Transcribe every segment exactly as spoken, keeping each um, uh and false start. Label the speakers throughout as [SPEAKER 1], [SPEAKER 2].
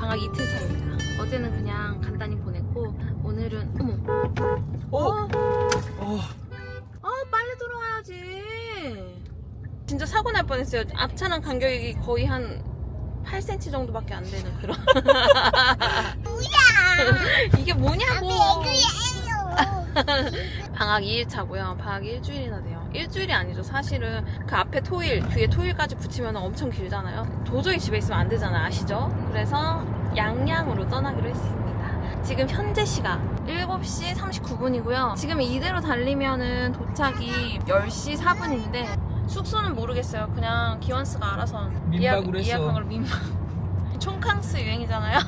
[SPEAKER 1] 방학 이틀 차입니다. 어제는 그냥 간단히 보냈고 오늘은 어머
[SPEAKER 2] 어?
[SPEAKER 1] 어,
[SPEAKER 2] 어.
[SPEAKER 1] 어 빨리 들어와야지. 진짜 사고 날 뻔했어요. 앞차랑 간격이 거의 한 팔 센티미터 정도밖에 안 되는 그런.
[SPEAKER 3] 뭐야?
[SPEAKER 1] 이게 뭐냐고.
[SPEAKER 3] 애교예요.
[SPEAKER 1] 방학 이 일 차고요. 방학이 일주일이나 돼요. 일주일이 아니죠. 사실은 그 앞에 토일, 뒤에 토일까지 붙이면 엄청 길잖아요. 도저히 집에 있으면 안 되잖아요. 아시죠? 그래서 양양으로 떠나기로 했습니다. 지금 현재 시각 일곱 시 삼십구 분이고요. 지금 이대로 달리면은 도착이 열 시 사 분인데 숙소는 모르겠어요. 그냥 기원스가 알아서
[SPEAKER 2] 민박으로 했어.
[SPEAKER 1] 예약한 걸로 민박. 촌캉스 유행이잖아요.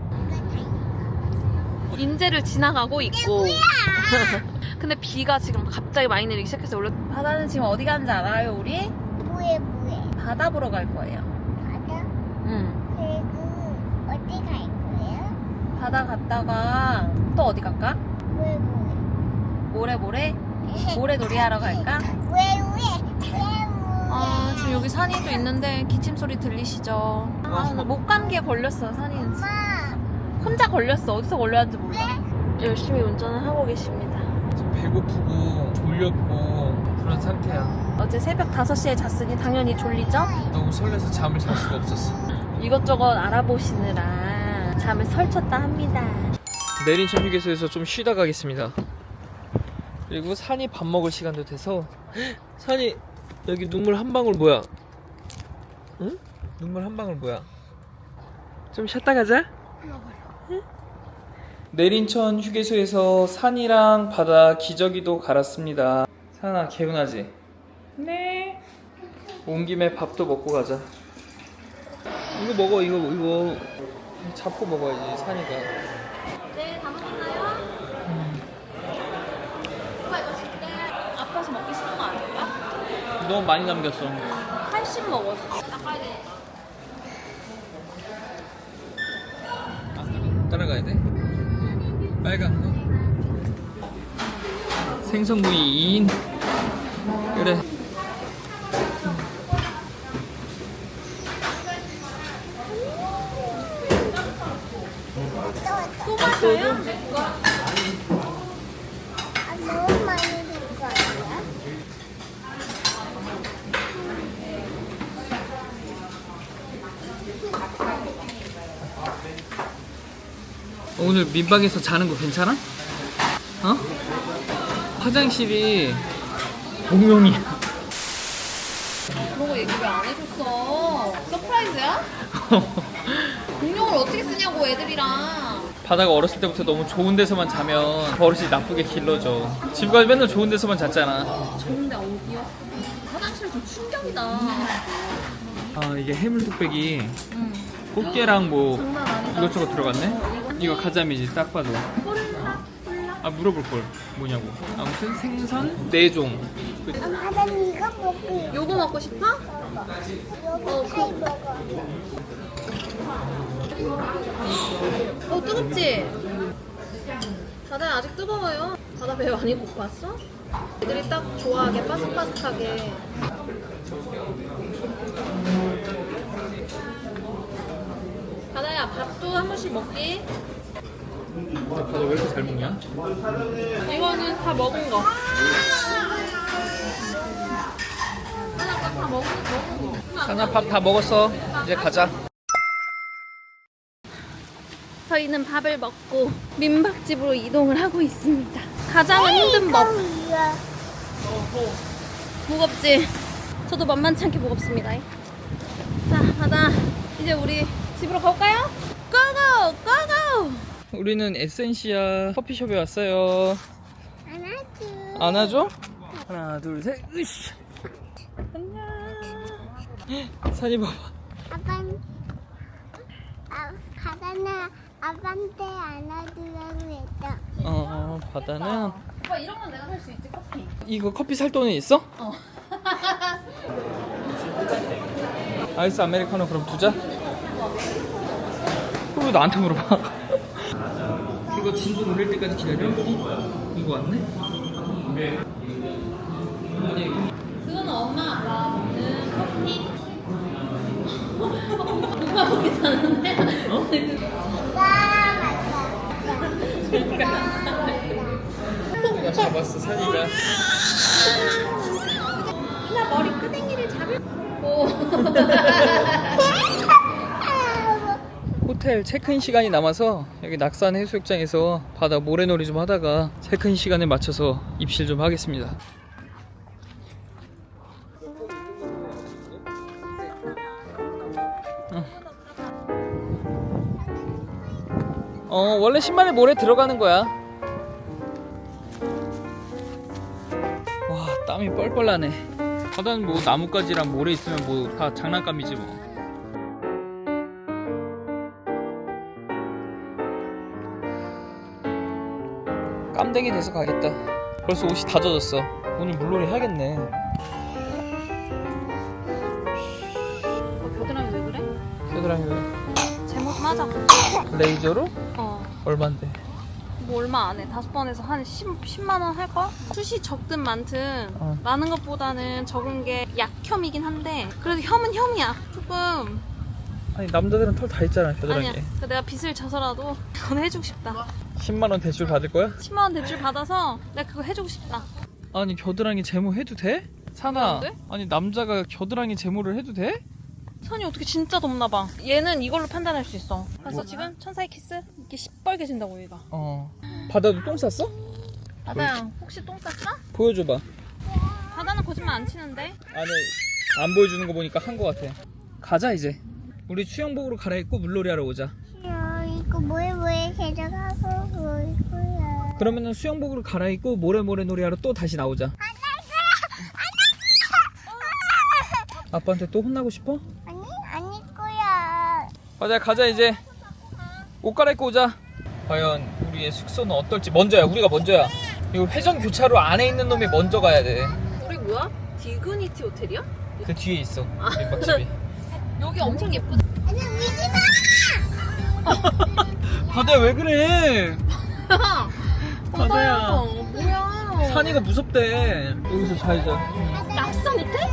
[SPEAKER 1] 인제를 지나가고 있고. 근데 비가 지금 갑자기 많이 내리기 시작해서 원래 바다는 지금 어디 가는지 알아요 우리?
[SPEAKER 3] 뭐해 뭐해?
[SPEAKER 1] 바다 보러 갈 거예요.
[SPEAKER 3] 바다?
[SPEAKER 1] 응.
[SPEAKER 3] 그리고 어디 갈 거예요?
[SPEAKER 1] 바다 갔다가 또 어디 갈까?
[SPEAKER 3] 왜 뭐해?
[SPEAKER 1] 모래 모래? 모래놀이 하러 갈까?
[SPEAKER 3] 왜 왜? 왜
[SPEAKER 1] 아 지금 여기 산이도 있는데 기침 소리 들리시죠? 아, 나 목 감기에 걸렸어 산이는.
[SPEAKER 3] 엄마
[SPEAKER 1] 혼자 걸렸어. 어디서 걸렸는지 몰라. 열심히 운전을 하고 계십니다.
[SPEAKER 2] 지금 배고프고 졸렸고 그런 상태야.
[SPEAKER 1] 어제 새벽 다섯 시에 잤으니 당연히 졸리죠?
[SPEAKER 2] 너무 설레서 잠을 잘 수가 없었어.
[SPEAKER 1] 이것저것 알아보시느라 잠을 설쳤다 합니다.
[SPEAKER 2] 내린천 휴게소에서 좀 쉬다 가겠습니다. 그리고 산이 밥 먹을 시간도 돼서. 산이 여기 눈물 한 방울 뭐야? 응? 눈물 한 방울 뭐야? 좀 쉬었다 가자. 응? 내린천 휴게소에서 산이랑 바다 기저귀도 갈았습니다. 산아 개운하지? 네. 온 김에 밥도 먹고 가자. 이거 먹어 이거 이거 잡고 먹어야지 산이가.
[SPEAKER 1] 네, 다 먹었나요?
[SPEAKER 2] 음.
[SPEAKER 1] 오빠 이거 줄게. 아파서 먹기 싫은 거 아닐까?
[SPEAKER 2] 너무 많이 남겼어.
[SPEAKER 1] 팔십 먹었어. 닦아야 돼.
[SPEAKER 2] 따라가야 돼? 빨간 거. 생선구이 이 인. 그래.
[SPEAKER 1] 또 마셔요?
[SPEAKER 3] 아, 너무 많이 줄 거 아니야?
[SPEAKER 2] 오늘 민박에서 자는 거 괜찮아? 어? 화장실이 공용이야.
[SPEAKER 1] 그런 거 얘기 왜 안 해줬어? 서프라이즈야? 공룡을 어떻게 쓰냐고 애들이랑.
[SPEAKER 2] 바다가 어렸을 때부터 너무 좋은 데서만 자면 버릇이 나쁘게 길러져. 지금까지 맨날 좋은 데서만 잤잖아.
[SPEAKER 1] 좋은데 어디요? 화장실 좀 충격이다.
[SPEAKER 2] 아 이게 해물 뚝배기
[SPEAKER 1] 응.
[SPEAKER 2] 꽃게랑 뭐
[SPEAKER 1] 장난 아니다.
[SPEAKER 2] 이것저것 들어갔네? 이거 가자미지 딱 봐도. 아 물어볼 걸 뭐냐고. 아무튼 생선 네 종.
[SPEAKER 3] 엄마 난 이거 먹고
[SPEAKER 1] 요거 먹고 싶어?
[SPEAKER 3] 여기 살 먹어.
[SPEAKER 1] 어 뜨겁지? 바다 아직 뜨거워요. 바다 배 많이 고팠어? 애들이 딱 좋아하게 바삭바삭하게. 바다야 밥도 한 번씩 먹기.
[SPEAKER 2] 바다 왜 이렇게 잘 먹냐?
[SPEAKER 1] 이거는 다 먹은 거. 하나 다 먹은 먹은 거.
[SPEAKER 2] 산아 밥 다 먹었어. 이제 가자.
[SPEAKER 1] 저희는 밥을 먹고 민박집으로 이동을 하고 있습니다. 가장 힘든 법.
[SPEAKER 3] 이거야.
[SPEAKER 1] 무겁지? 저도 만만치 않게 무겁습니다. 자, 바다 이제 우리 집으로 가볼까요? 고고! 고고!
[SPEAKER 2] 우리는 에센시아 커피숍에 왔어요.
[SPEAKER 3] 안아줘.
[SPEAKER 2] 안아줘? 하나 둘 셋. 으쌰.
[SPEAKER 1] 안녕.
[SPEAKER 2] 산이 봐봐.
[SPEAKER 3] 아빤 아 가다나 아빠한테 안아주라고 했다.
[SPEAKER 2] 어 바다는
[SPEAKER 1] 오빠 이런 건 내가 살 수 있지, 커피.
[SPEAKER 2] 이거 커피 살 돈은 있어?
[SPEAKER 1] 어.
[SPEAKER 2] 아이스 아메리카노 그럼 두자. 왜 나한테 물어봐? 이거 진도 돌릴 때까지 기다려. 이거 왔네?
[SPEAKER 1] 그거는 엄마 아빠 먹는 커피. 누가 거기 사는데?
[SPEAKER 2] 어? 산이가 잡았어. 산이가.
[SPEAKER 1] 나 머리 끄댕이를 잡을. 오.
[SPEAKER 2] 호텔 체크인 시간이 남아서 여기 낙산 해수욕장에서 바다 모래놀이 좀 하다가 체크인 시간에 맞춰서 입실 좀 하겠습니다. 어, 원래 신발에 모래 들어가는 거야. 와, 땀이 뻘뻘 나네. 바다는 뭐 나뭇가지랑 모래 있으면 뭐 다 장난감이지 뭐. 깜댕이 돼서 가겠다. 벌써 옷이 다 젖었어. 오늘 물놀이 해야겠네.
[SPEAKER 1] 어, 겨드랑이 왜 그래?
[SPEAKER 2] 겨드랑이 왜?
[SPEAKER 1] 제목 좀 하자.
[SPEAKER 2] 레이저로?
[SPEAKER 1] 어.
[SPEAKER 2] 얼만데?
[SPEAKER 1] 뭐 얼마 안 해. 다섯 번에서 한 십만 원 할걸? 숱이 적든 많든
[SPEAKER 2] 어.
[SPEAKER 1] 많은 것보다는 적은 게 약혐이긴 한데 그래도 혐은 혐이야. 조금.
[SPEAKER 2] 아니 남자들은 털 다 있잖아 겨드랑이에.
[SPEAKER 1] 아니야. 그러니까 내가 빚을 져서라도 그건 해주고 싶다.
[SPEAKER 2] 십만 원 대출 받을 거야?
[SPEAKER 1] 십만 원 대출 받아서 내가 그거 해주고 싶다.
[SPEAKER 2] 아니 겨드랑이 제모 해도 돼? 산아.
[SPEAKER 1] 안 돼?
[SPEAKER 2] 아니 남자가 겨드랑이 제모를 해도 돼?
[SPEAKER 1] 선이 어떻게 진짜 덥나 봐. 얘는 이걸로 판단할 수 있어. 그래서
[SPEAKER 2] 뭐?
[SPEAKER 1] 지금 천사의 키스 이렇게 시뻘개진다고 얘가.
[SPEAKER 2] 어. 바다도 똥 쌌어?
[SPEAKER 1] 바다야 혹시 똥 쌌어?
[SPEAKER 2] 보여줘봐.
[SPEAKER 1] 바다는 거짓말 안 치는데.
[SPEAKER 2] 안에 안 보여주는 거 보니까 한 거 같아. 가자 이제. 우리 수영복으로 갈아입고 물놀이 하러 오자.
[SPEAKER 3] 야, 이거 뭐에 뭐에 가져가고 뭐 이거야.
[SPEAKER 2] 그러면은 수영복으로 갈아입고 모래모래 놀이하러 또 다시 나오자. 아빠한테 또 혼나고 싶어?
[SPEAKER 3] 아니 아닐 거야.
[SPEAKER 2] 맞아 가자 이제. 옷 갈아입고 오자. 과연 우리의 숙소는 어떨지. 먼저야 우리가 먼저야. 이거 회전 교차로 안에 있는 놈이 먼저 가야 돼.
[SPEAKER 1] 우리 뭐야? 디그니티 호텔이야?
[SPEAKER 2] 그 뒤에 있어 민박집이.
[SPEAKER 1] 여기 엄청 예쁘다.
[SPEAKER 3] 아니 울지
[SPEAKER 2] 바다야 왜 그래? 바다야.
[SPEAKER 1] 뭐야?
[SPEAKER 2] 산이가 무섭대. 여기서 자이자.
[SPEAKER 3] 마.
[SPEAKER 1] 낙산 호텔?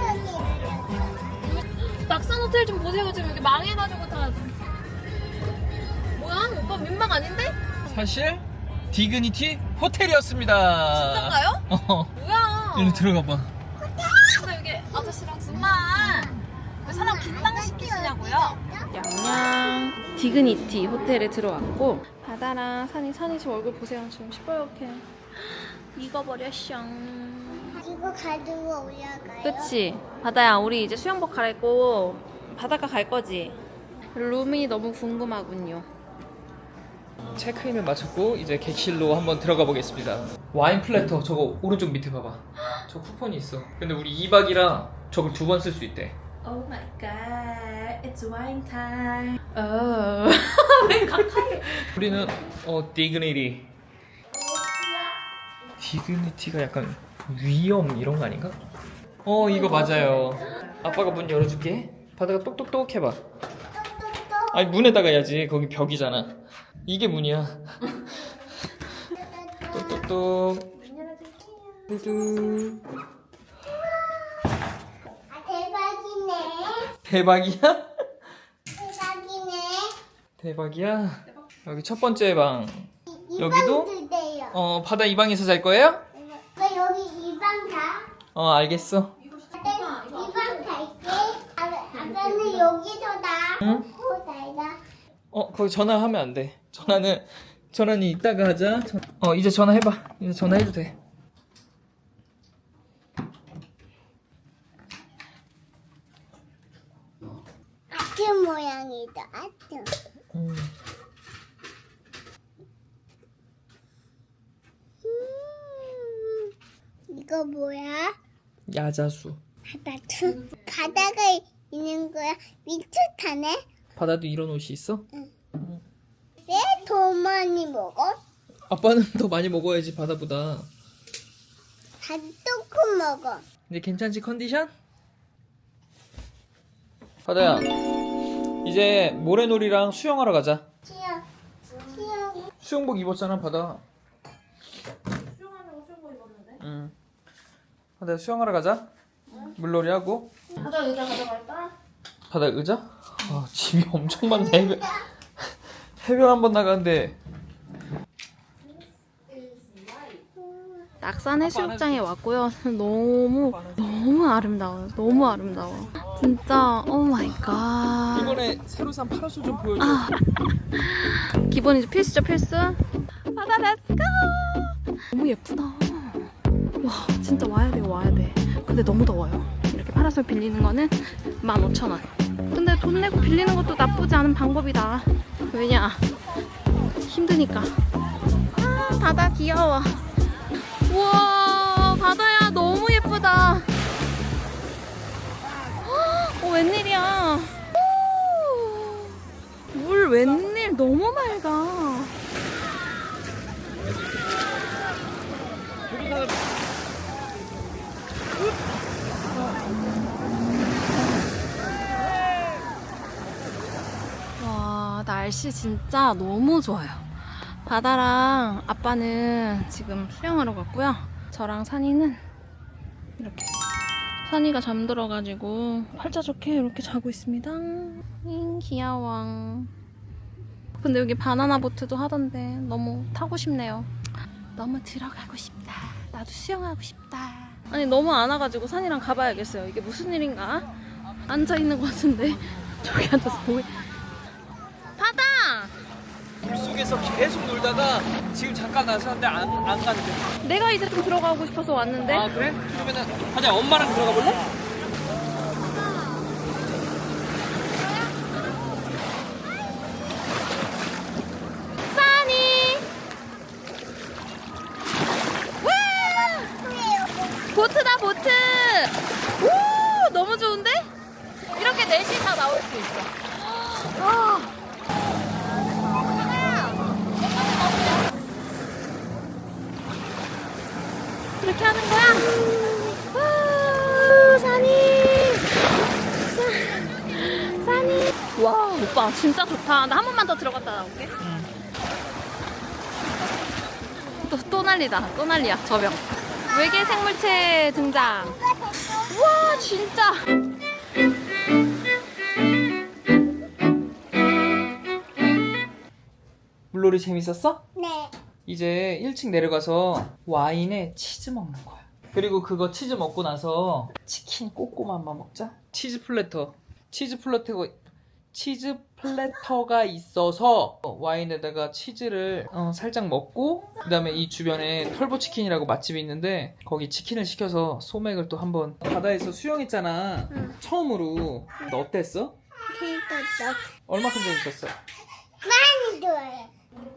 [SPEAKER 1] 낙산 호텔 좀 보세요. 지금 여기 망해가지고 다. 뭐야? 오빠 민망 아닌데?
[SPEAKER 2] 사실 디그니티 호텔이었습니다.
[SPEAKER 1] 진짠가요?
[SPEAKER 2] 어.
[SPEAKER 1] 뭐야?
[SPEAKER 2] 일로 들어가 봐.
[SPEAKER 1] 근데 여기 아저씨랑 둘만 왜 사람 긴장시키시냐고요? 양양 디그니티 호텔에 들어왔고 바다랑 산이 산이 지금 얼굴 보세요. 지금 시뻘겋게 익어버렸쇼.
[SPEAKER 3] 이거 가지고 올라가요.
[SPEAKER 1] 그치? 바다야 우리 이제 수영복 갈아입고 바닷가 갈 거지? 룸이 너무 궁금하군요.
[SPEAKER 2] 체크인을 마쳤고 이제 객실로 한번 들어가 보겠습니다. 와인 플래터 저거 오른쪽 밑에 봐봐. 저 쿠폰이 있어. 근데 우리 이 박이라 저걸 두 번 쓸 수 있대.
[SPEAKER 1] Oh my god, it's wine time. Oh. 왜 가까이?
[SPEAKER 2] 우리는 어 디그니티. 디그니티가 약간 위험 이런 거 아닌가? 어 이거 맞아요. 아빠가 문 열어줄게. 바다가 똑똑똑 해봐. 아니 문에다가 해야지. 거기 벽이잖아. 이게 문이야. 똑똑똑. 두두.
[SPEAKER 3] 아 대박이네.
[SPEAKER 2] 대박이야?
[SPEAKER 3] 대박이네.
[SPEAKER 2] 대박이야. 여기 첫 번째 방.
[SPEAKER 3] 이
[SPEAKER 2] 여기도?
[SPEAKER 3] 방 주세요.
[SPEAKER 2] 어 바다 이 방에서 잘 거예요?
[SPEAKER 3] 왜 여기 이 방 가?
[SPEAKER 2] 어 알겠어.
[SPEAKER 3] 아빠 이 방 갈게. 아, 아빠는 여기서 나.
[SPEAKER 2] 응?
[SPEAKER 3] 어, 나이다.
[SPEAKER 2] 어 거기 전화하면 안 돼. 전화는 전화는 이따가 하자. 전- 어 이제 전화해봐. 이제 전화해도 돼.
[SPEAKER 3] 아트 모양이다. 아트.
[SPEAKER 2] 음.
[SPEAKER 3] 음, 이거 뭐야?
[SPEAKER 2] 야자수.
[SPEAKER 3] 바다트. 바다가 있는 거야. 미쳤다네.
[SPEAKER 2] 바다도 이런 옷이 있어?
[SPEAKER 3] 왜 더 많이 먹어?
[SPEAKER 2] 아빠는 더 많이 먹어야지 바다보다.
[SPEAKER 3] 다 조금 먹어.
[SPEAKER 2] 이제 괜찮지 컨디션? 바다야 이제 모래놀이랑 수영하러 가자.
[SPEAKER 3] 치영. 치영.
[SPEAKER 2] 수영복 입었잖아 바다.
[SPEAKER 1] 수영하려고 수영복 입었는데.
[SPEAKER 2] 응. 바다 수영하러 가자. 물놀이 하고.
[SPEAKER 1] 바다 의자 가져갈까?
[SPEAKER 2] 바다 의자? 아 집이 엄청 많네. 해변 한번 나가는데
[SPEAKER 1] 낙산 해수욕장에 왔고요. 너무 너무 아름다워요. 너무 아름다워. 진짜 오 마이 갓.
[SPEAKER 2] 이번에 새로 산 파라솔 좀 보여줘.
[SPEAKER 1] 아, 기본이죠. 필수죠, 필수. 바다 렛츠고. 너무 예쁘다. 와, 진짜 와야 돼, 와야 돼. 근데 너무 더워요. 이렇게 파라솔 빌리는 거는 만 오천 원. 근데 돈 내고 빌리는 것도 나쁘지 않은 방법이다. 왜냐? 힘드니까. 아, 바다 귀여워. 우와, 바다야 너무 예쁘다. 어, 웬일이야. 오, 물 웬일 너무 맑아. 와, 날씨 진짜 너무 좋아요. 바다랑 아빠는 지금 수영하러 갔고요. 저랑 산이는 이렇게 산이가 잠들어가지고 팔자 좋게 이렇게 자고 있습니다. 잉, 귀여워. 근데 여기 바나나 보트도 하던데 너무 타고 싶네요. 너무 들어가고 싶다. 나도 수영하고 싶다. 아니 너무 안 와가지고 산이랑 가봐야겠어요. 이게 무슨 일인가? 앉아있는 것 같은데 저기 앉아서 보이. 바다!
[SPEAKER 2] 물속에서 계속 놀다가 지금 잠깐 나섰는데 안, 안 간대.
[SPEAKER 1] 내가 이제 좀 들어가고 싶어서 왔는데.
[SPEAKER 2] 아 그래? 그러면은 가자. 엄마랑 들어가 볼래?
[SPEAKER 1] 산이! 와! 보트다 보트! 오! 너무 좋은데? 이렇게 넷이 다 나올 수 있어. 아. 이렇게 하는 거야? 와, 산이! 사, 산이! 와, 오빠 진짜 좋다. 나 한 번만 더 들어갔다 나올게.
[SPEAKER 2] 응.
[SPEAKER 1] 또, 또 난리다. 또 난리야, 저병. 외계 생물체 등장. 우와, 진짜!
[SPEAKER 2] 물놀이 재밌었어?
[SPEAKER 3] 네.
[SPEAKER 2] 이제 일 층 내려가서 와인에 치즈 먹는 거야. 그리고 그거 치즈 먹고 나서 치킨 꼬꼬마만 먹자. 치즈 플래터. 치즈 플래터가 치즈 플래터가 있어서 와인에다가 치즈를 어, 살짝 먹고 그다음에 이 주변에 털보 치킨이라고 맛집이 있는데 거기 치킨을 시켜서 소맥을 또 한번. 바다에서 수영했잖아.
[SPEAKER 1] 응.
[SPEAKER 2] 처음으로. 너 어땠어?
[SPEAKER 3] 재밌었어.
[SPEAKER 2] 얼마큼 재밌었어?
[SPEAKER 3] 많이 좋아요.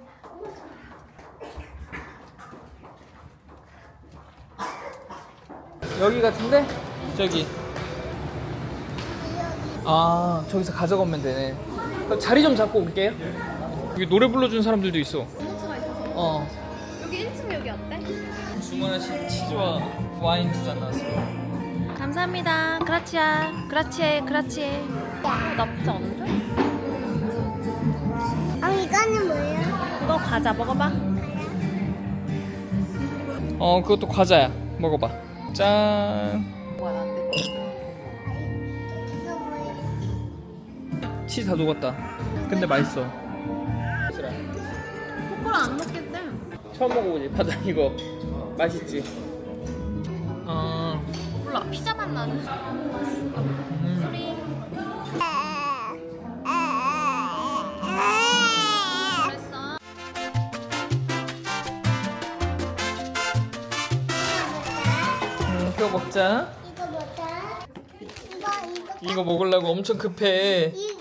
[SPEAKER 2] 여기 같은데? 저기. 아, 저기서 가져가면 되네. 그럼 자리 좀 잡고 올게요. 여기 노래 불러준 사람들도 있어.
[SPEAKER 1] 스가 있어서.
[SPEAKER 2] 어.
[SPEAKER 1] 여기 일 층 여기 어때?
[SPEAKER 2] 주문하신 치즈와 와인 두 잔 나왔어요.
[SPEAKER 1] 감사합니다. 그라치아. 그라치에, 그라치에. 어, 나쁘지 않은데?
[SPEAKER 3] 아, 이거는 뭐예요?
[SPEAKER 1] 그거 과자 먹어봐.
[SPEAKER 2] 어, 그것도 과자야. 먹어봐. 짠.
[SPEAKER 1] 뭐야, 안 돼.
[SPEAKER 3] 이거 뭐예요?
[SPEAKER 2] 치즈 다 녹았다. 근데 맛있어.
[SPEAKER 1] 코코라 안 먹겠대.
[SPEAKER 2] 처음 먹어보지. 바다 이거. 맛있지? 어.
[SPEAKER 1] 몰라, 피자 맛 나는.
[SPEAKER 2] 음.
[SPEAKER 1] 소리. 그랬어.
[SPEAKER 2] 음, 그거 먹자.
[SPEAKER 3] 이거 뭐다? 이거 이거
[SPEAKER 2] 이거 먹으려고 엄청 급해.
[SPEAKER 3] 이거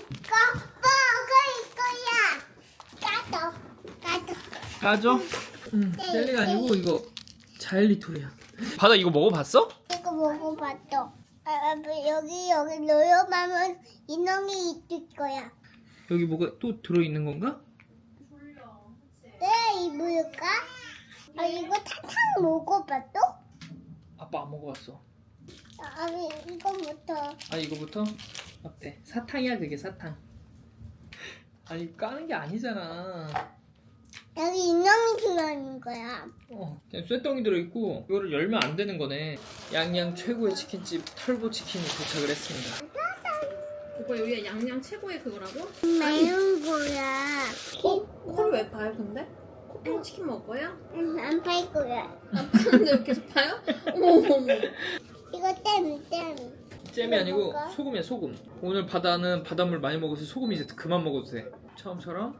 [SPEAKER 3] 먹을 거야. 까도 까도.
[SPEAKER 2] 가져? 응. 젤리가 아니고 이거 자일리톨이야. 바다 이거 먹어봤어?
[SPEAKER 3] 이거 먹어봤어. 아, 아, 여기 여기 넣어보면 인형이 있을 거야.
[SPEAKER 2] 여기 뭐가 또 들어있는 건가?
[SPEAKER 3] 네, 이 뭘까? 아, 이거 사탕 먹어봤어?
[SPEAKER 2] 아빠 안 먹어봤어.
[SPEAKER 3] 아, 이거부터.
[SPEAKER 2] 아 이거부터? 어때? 사탕이야 그게 사탕. 아니 이거 까는 게 아니잖아.
[SPEAKER 3] 여기 인형이 들어있는 거야.
[SPEAKER 2] 어, 그냥 쇠덩이 들어있고 이거를 열면 안 되는 거네. 양양 최고의 치킨집 털보 치킨이 도착을 했습니다.
[SPEAKER 1] 오빠 여기가 양양 최고의 그거라고?
[SPEAKER 3] 매운 거야.
[SPEAKER 1] 코? 코를 왜 봐요 근데? 코빵 치킨 먹을 거야?
[SPEAKER 3] 응, 안 팔 거야.
[SPEAKER 1] 안 파는데 왜 계속 봐요? 어머 어머.
[SPEAKER 3] 이거 땜, 땜.
[SPEAKER 2] 잼이 아니고
[SPEAKER 3] 먹을까?
[SPEAKER 2] 소금이야 소금. 오늘 바다는 바닷물 많이 먹어서 소금 이제 그만 먹어도 돼. 처음처럼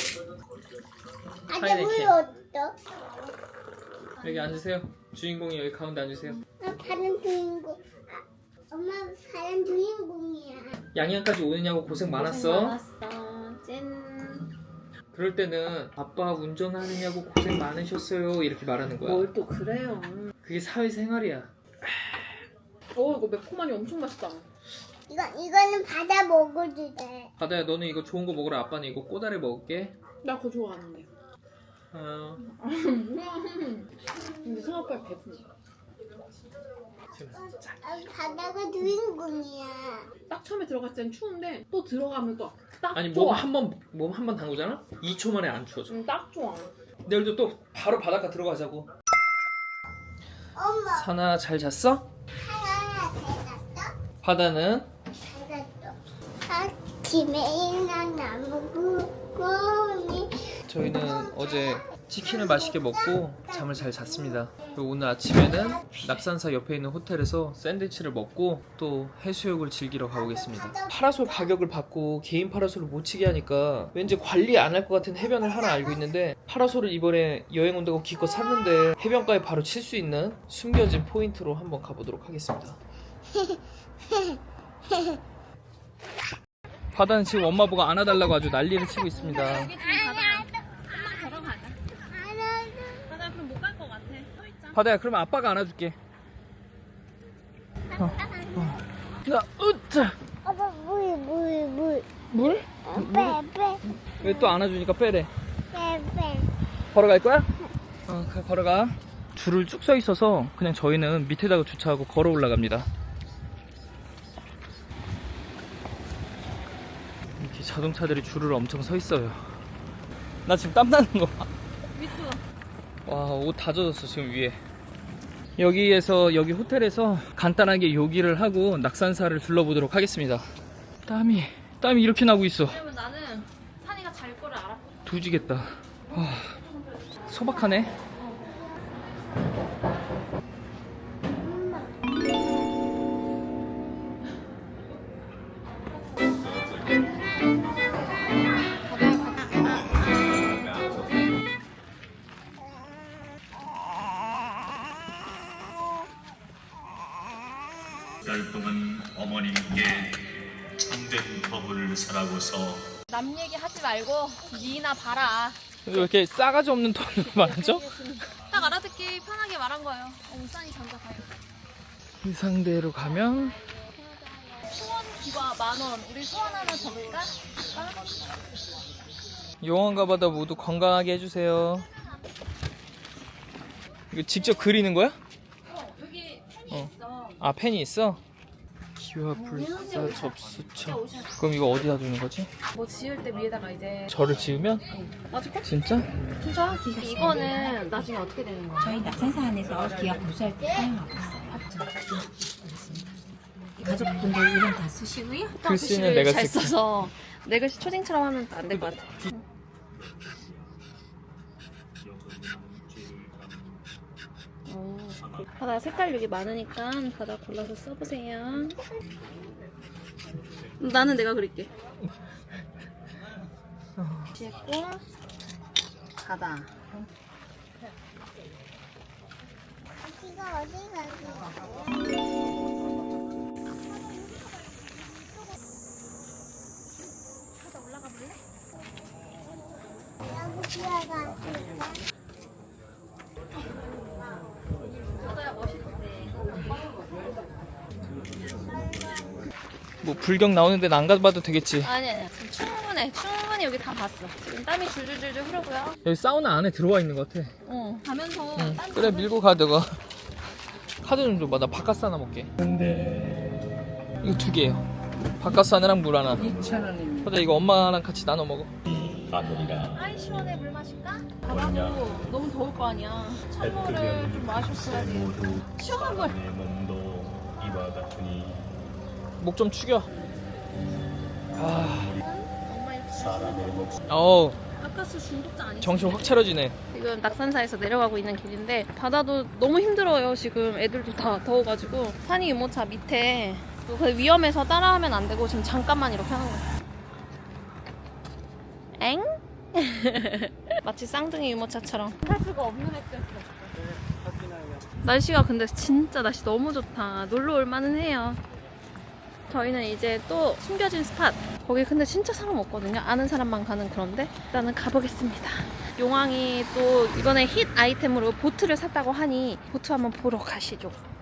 [SPEAKER 3] 아재 물
[SPEAKER 2] 하이네켄.
[SPEAKER 3] 어떠?
[SPEAKER 2] 여기 앉으세요. 주인공이 여기 가운데 앉으세요.
[SPEAKER 3] 나 다른 주인공. 아, 엄마 다른 주인공이야.
[SPEAKER 2] 양양까지 오느냐고 고생 많았어.
[SPEAKER 1] 많았어. 짠.
[SPEAKER 2] 그럴 때는 아빠 운전하느냐고 고생 많으셨어요 이렇게 말하는 거야.
[SPEAKER 1] 뭘 또 그래요?
[SPEAKER 2] 그게 사회생활이야.
[SPEAKER 1] 어 이거 매콤하니 엄청 맛있다.
[SPEAKER 3] 이거 이거는 받아 먹어도 돼.
[SPEAKER 2] 바다야 너는 이거 좋은 거 먹으라. 아빠는 이거 꼬다리 먹을게.
[SPEAKER 1] 나 그거 좋아하는데.
[SPEAKER 2] 어,
[SPEAKER 1] 뭐야? 근데 생각보다 배부르.
[SPEAKER 2] 지금 자,
[SPEAKER 3] 아, 바다가 주인공이야.
[SPEAKER 1] 딱 처음에 들어갔을 땐 추운데 또 들어가면 또 딱
[SPEAKER 2] 아니
[SPEAKER 1] 좋아.
[SPEAKER 2] 몸 한 번 몸 한 번 담그잖아. 이 초 만에 안 추워져.
[SPEAKER 1] 응, 딱 좋아.
[SPEAKER 2] 내일도 또 바로 바닷가 들어가자고.
[SPEAKER 3] 엄마
[SPEAKER 2] 사나 잘 잤어?
[SPEAKER 3] 하나 대놨어?
[SPEAKER 2] 바다는
[SPEAKER 3] 잘랐어. 아, 김에 있는 나무 구름이
[SPEAKER 2] 저희는 어제 치킨을 맛있게 먹고 잠을 잘 잤습니다. 그리고 오늘 아침에는 낙산사 옆에 있는 호텔에서 샌드위치를 먹고 또 해수욕을 즐기러 가보겠습니다. 파라솔 가격을 받고 개인 파라솔을 못 치게 하니까 왠지 관리 안 할 것 같은 해변을 하나 알고 있는데 파라솔을 이번에 여행 온다고 기껏 샀는데 해변가에 바로 칠 수 있는 숨겨진 포인트로 한번 가보도록 하겠습니다. 바다는 지금 엄마 보고 안아달라고 아주 난리를 치고 있습니다.
[SPEAKER 1] 여기 지금 바다. 한번 걸어가자. 바다 그럼 못 갈 것 같아. 서 있자.
[SPEAKER 2] 바다야 그러면 아빠가 안아줄게. 어, 어. 나 으짜
[SPEAKER 3] 아빠 물, 물, 물.
[SPEAKER 2] 물?
[SPEAKER 3] 빼, 빼,
[SPEAKER 2] 왜 또 안아주니까 빼래.
[SPEAKER 3] 빼, 빼.
[SPEAKER 2] 걸어갈 거야? 어, 가, 걸어가. 줄을 쭉 서 있어서 그냥 저희는 밑에다가 주차하고 걸어 올라갑니다. 이렇게 자동차들이 줄을 엄청 서 있어요. 나 지금 땀 나는 거 봐.
[SPEAKER 1] 미투.
[SPEAKER 2] 와, 옷 다 젖었어 지금 위에. 여기에서 여기 호텔에서 간단하게 요기를 하고 낙산사를 둘러보도록 하겠습니다. 땀이 땀이 이렇게 나고 있어.
[SPEAKER 1] 왜냐면 나는 산이가 잘 거를 알았거든.
[SPEAKER 2] 두지겠다. 와, 소박하네.
[SPEAKER 4] 열 동안 어머님께 참된 법을 설하고서
[SPEAKER 1] 남 얘기 하지 말고 니나 봐라.
[SPEAKER 2] 왜 이렇게 싸가지 없는 톤으로 말하죠?
[SPEAKER 1] 딱 알아듣기 편하게 말한 거예요. 어, 산이 잠깐 가요.
[SPEAKER 2] 이 상대로 가면
[SPEAKER 1] 소원 기과 만 원. 우리 소원 하나 적을까?
[SPEAKER 2] 용왕과 바다 모두 건강하게 해주세요. 이거 직접 그리는 거야?
[SPEAKER 1] 어, 여기 펜이
[SPEAKER 2] 어.
[SPEAKER 1] 있어.
[SPEAKER 2] 아, 펜이 있어? 기와 불사 접수처. 그럼 이거 어디다 두는 거지?
[SPEAKER 1] 뭐 지을 때 위에다가 이제
[SPEAKER 2] 절을 지으면?
[SPEAKER 1] 맞을까?
[SPEAKER 2] 진짜?
[SPEAKER 1] 진짜? 이거는 나중에 어떻게 되는 거야?
[SPEAKER 5] 저희 낙산사 안에서 기업 보수할 때 사용하고 있어요. 가족분들 이름 다 쓰시고요.
[SPEAKER 2] 글씨는 내가
[SPEAKER 1] 잘
[SPEAKER 2] 쓸게.
[SPEAKER 1] 써서 내 글씨 초딩처럼 하면 안 될 것 같아. 어, 바다 색깔 여기 많으니까 바다 골라서 써보세요. 나는 내가 그릴게. 했고 바다.
[SPEAKER 3] 지가 어디 가지?
[SPEAKER 1] 올라가 볼래?
[SPEAKER 3] 여기 지가
[SPEAKER 1] 바다야 멋있대.
[SPEAKER 2] 뭐 불경 나오는 데는 안 가봐도 되겠지.
[SPEAKER 1] 아니 아니 충분해. 충분히 여기 다 봤어. 지금 땀이 줄줄줄줄 흐르고요.
[SPEAKER 2] 여기 사우나 안에 들어와 있는 것 같아.
[SPEAKER 1] 어 가면서
[SPEAKER 2] 응.
[SPEAKER 1] 땀
[SPEAKER 2] 그래,
[SPEAKER 1] 좀
[SPEAKER 2] 밀고 가 너가. 카드 좀 줘봐. 나 바카스 하나 먹게. 이거 두 개예요. 바카스 하나랑 물 하나.
[SPEAKER 5] 이천 원입니다.
[SPEAKER 2] 바다 이거 엄마랑 같이 나눠 먹어.
[SPEAKER 4] 가느리라
[SPEAKER 1] 아이 시원해. 물 마실까? 바다도 너무 더울 거 아니야. 찬물을 좀 마셨어야지.
[SPEAKER 4] 모두
[SPEAKER 1] 시원한 물.
[SPEAKER 4] 내 몸도 이와 같으니
[SPEAKER 2] 목 좀 축여. 아,
[SPEAKER 1] 엄마 이렇게
[SPEAKER 4] 사람의 목숨
[SPEAKER 2] 어우,
[SPEAKER 1] 가까스 중독자 아니지?
[SPEAKER 2] 정신 확 차려지네.
[SPEAKER 1] 지금 낙산사에서 내려가고 있는 길인데 바다도 너무 힘들어요. 지금 애들도 다 더워가지고 산이 유모차 밑에 또 그 위험해서 따라하면 안 되고 지금 잠깐만 이렇게 하는 거예요. 엥? 마치 쌍둥이 유모차처럼 할 수가 없는 획기였어. 날씨가 근데 진짜 날씨 너무 좋다. 놀러 올 만은 해요. 저희는 이제 또 숨겨진 스팟, 거기 근데 진짜 사람 없거든요. 아는 사람만 가는 그런데 일단은 가보겠습니다. 용왕이 또 이번에 힛 아이템으로 보트를 샀다고 하니 보트 한번 보러 가시죠.